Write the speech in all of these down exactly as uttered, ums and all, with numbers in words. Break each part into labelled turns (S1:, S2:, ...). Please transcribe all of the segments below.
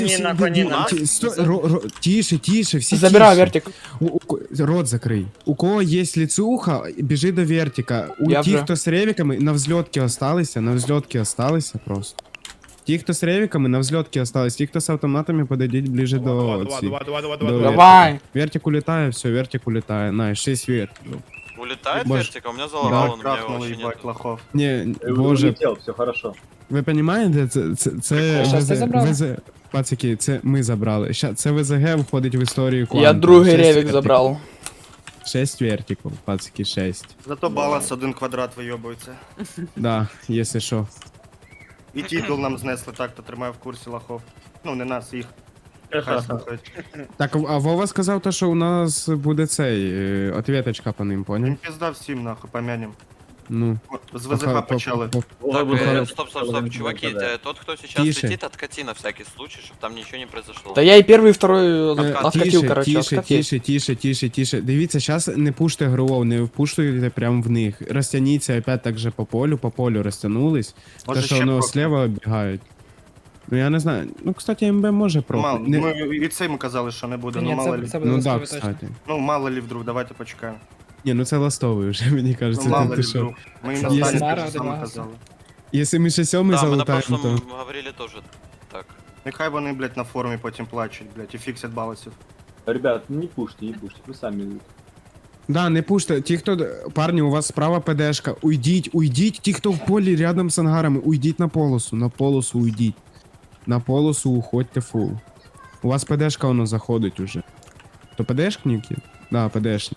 S1: Не на коні на.
S2: Ті- сто- ро- ро- Тише, тише, всі
S3: Забираю
S2: тише.
S3: вертик.
S2: У- у ко- Рот закрий. У кого є лицуха, біжи до вертика. У
S3: Я
S2: тих,
S3: вже.
S2: хто з ревіками, на взльотки осталися, на взльотки осталися просто. Ті, хто з ревіками, на взльотки остались. Ті, хто з автоматами, подойдіть ближе до ці.
S4: Давай, давай, давай,
S2: до
S4: давай.
S2: вертика.
S3: Давай.
S2: Вертик улетає, все, вертик улетає. На, шесть вертиків.
S5: Улетает
S2: Может.
S5: вертика? У меня залагало, но у меня
S6: Крахнули,
S5: вообще
S6: ебать,
S5: нет.
S6: лохов.
S2: Ні, боже,
S7: Улетел, все хорошо.
S2: ви розумієте, це, це, це
S3: Щас ти
S2: ВЗ,
S3: забрав?
S2: ВЗ, пацики, це ми забрали. Ща, це ВЗГ входить в історію Кванту.
S3: Я другий
S2: Шесть
S3: ревік
S2: вертиків.
S3: забрав.
S2: Шесть вертиків, пацики, шесть.
S6: Зато баланс один квадрат вийобується.
S2: Да, якщо що.
S6: І титул нам знесли, так, то тримаю в курсі лохов. Ну, не нас, їх. Хай слухають.
S2: Так, а Вова сказав, то, що у нас буде цей, е, ответочка по ним,
S6: Їм
S2: поняв?
S6: пізда всім, нахуй, помянем.
S2: Ну.
S6: З
S2: по-
S6: ВЗХ
S2: по-
S6: почали.
S2: по- по-
S5: Так,
S7: Ой,
S5: э,
S7: вот,
S5: стоп, стоп,
S7: вот,
S5: стоп,
S7: вот,
S5: чуваки,
S7: вот, да.
S5: э, тот, кто сейчас
S2: Тише.
S5: летит, откати на всякий случай, чтобы там ничего не произошло.
S3: Да я и первый, и второй
S2: Е,
S3: откатил,
S2: Тише,
S3: короче,
S2: тише,
S3: откатил.
S2: тише, тише, тише, тише. Дивіться, зараз не пуште грувов, не впуштуйте прямо в них. Розтягніться опять так же по полю, по полю розтягнулись.
S6: Може
S2: Те, що
S6: ще
S2: воно
S6: трохи.
S2: слева бігають. Ну я не знаю. Ну, кстати, МБ може
S6: Мало,
S2: проти. Не-
S6: ми і це ми казали, що не буде, ну
S1: Ні,
S6: мало
S1: це,
S6: лі.
S1: це буде
S2: Ну да,
S1: військовий точно.
S2: кстати.
S6: Ну мало лі вдруг, давайте почекаємо.
S2: Ні, ну це ластовий вже, мені
S6: Ну
S2: кажеться.
S6: мало
S2: ти,
S6: лі
S2: ти що?
S6: вдруг. Ми їм
S1: Це
S6: останні
S1: Мара,
S6: те ж саме
S1: Демагаса.
S6: казали.
S2: Якщо ми ще сьомий
S5: Да, мы на
S2: залутаємо,
S5: прошлом
S2: то...
S5: говорили тоже так.
S6: Нехай вони, блядь, на форумі потім плачуть, блядь, і фіксять балансів.
S7: Ребят, не пушьте, не пушьте, вы сами.
S2: Да, не пуште. Ті, хто... Парні, у вас справа ПДшка. Уйдіть, уйдіть. Ті, хто в полі рядом з ангарами, уйдіть на полосу. На полосу уйдіть. На полосу уходьте фул. У вас ПДшка воно заходить уже. То ПДшники? Да, ПДшник.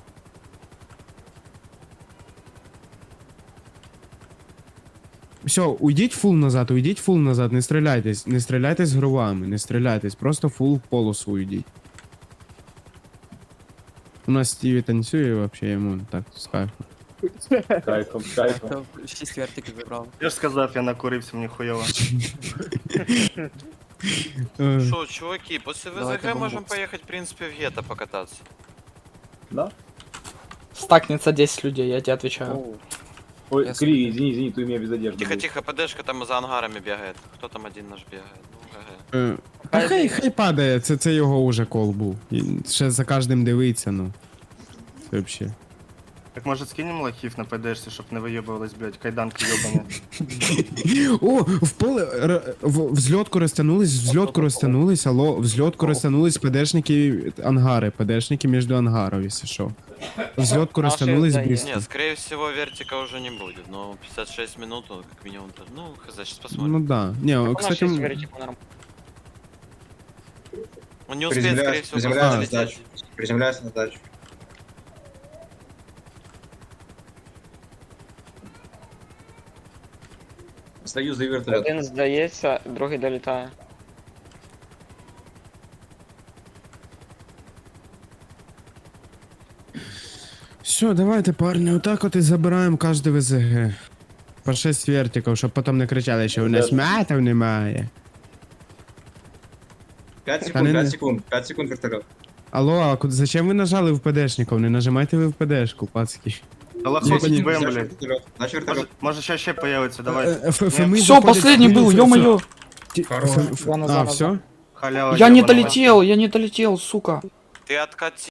S2: Все, уйдіть фул назад, уйдіть фул назад, не стріляйтесь, не стріляйтесь грувами, не стріляйтесь, просто фул в полосу уйдіть. У нас Стіві танцює вообще йому так з кайфом.
S7: Кайфом, кайфом.
S8: шість вертиків забрав.
S6: Я ж сказав, я накурився, мені хуйово.
S2: Е,
S5: Шо, чуваки, после
S8: Давайте
S5: ВЗГ можем
S8: бомбокс.
S5: поехать, в принципе, в гетто покататься.
S7: Да?
S3: Стакнется десять людей, я тебе отвечаю.
S7: Ой,
S8: Я
S7: Кри, извини, извини, ты у меня без одежды.
S5: Тихо,
S7: был.
S5: тихо, ПДшка там за ангарами бегает. Кто там один наш бегает? Ну, ГГ.
S2: е, Та хай, хай падає, це, це його уже кол був. І ще за кожним дивиться, ну. Це вообще.
S6: Так може скинемо лохів на ПДшці, щоб не вийобувались, блядь, кайданки йобані.
S2: О, в поле, р- в, взльотку розтягнулись, взльотку розтягнулись, алло, взльотку розтягнулись ПДшники ангари, ПДшники між ангарів, якщо що. Взльотку
S1: Наші
S2: розтягнулись
S1: здає.
S2: быстро.
S5: Не, скорее всего, вертика уже не будет, но пятьдесят шесть минут, ну, как минимум, то- ну, хз, сейчас посмотрим.
S2: Ну да. Не,
S1: У нас
S2: кстати,
S1: шість
S2: м-
S1: вертиків нормально.
S5: Он не успеет, скорее всего,
S9: приземляюсь
S5: просто
S9: на
S5: залететь.
S9: сдачу. Приземляюсь на сдачу. Стою за вертолет.
S1: Один здається, другий долітає.
S2: Все, давайте, парни, отак от і забираємо кожне ВЗГ. По шесть вертиків, щоб потім не кричали, що у нас матів немає.
S9: пять
S2: Та
S9: секунд,
S2: не-
S9: пять секунд, пять секунд вертолет.
S2: Алло, а куди- зачем ви нажали в ПДшників? Не нажимайте ви в ПДшку, пацки.
S6: Та лохов
S2: Ні,
S6: скібем,
S9: Наш
S6: блядь.
S9: вертолет, наш
S6: Може,
S9: вертолет.
S6: може ще ще появиться, давайте.
S2: Е, Ф-
S6: Ні.
S2: Феми
S3: Все,
S2: заходять-
S3: последний был,
S2: Ф-
S3: ё-моё.
S2: Ті- Ф- Ф-
S1: Зона,
S2: А,
S1: зона,
S2: все?
S1: зона.
S6: Халява
S3: Я не
S6: йобана.
S3: долетел, я не долетел, сука.
S5: Ты откати.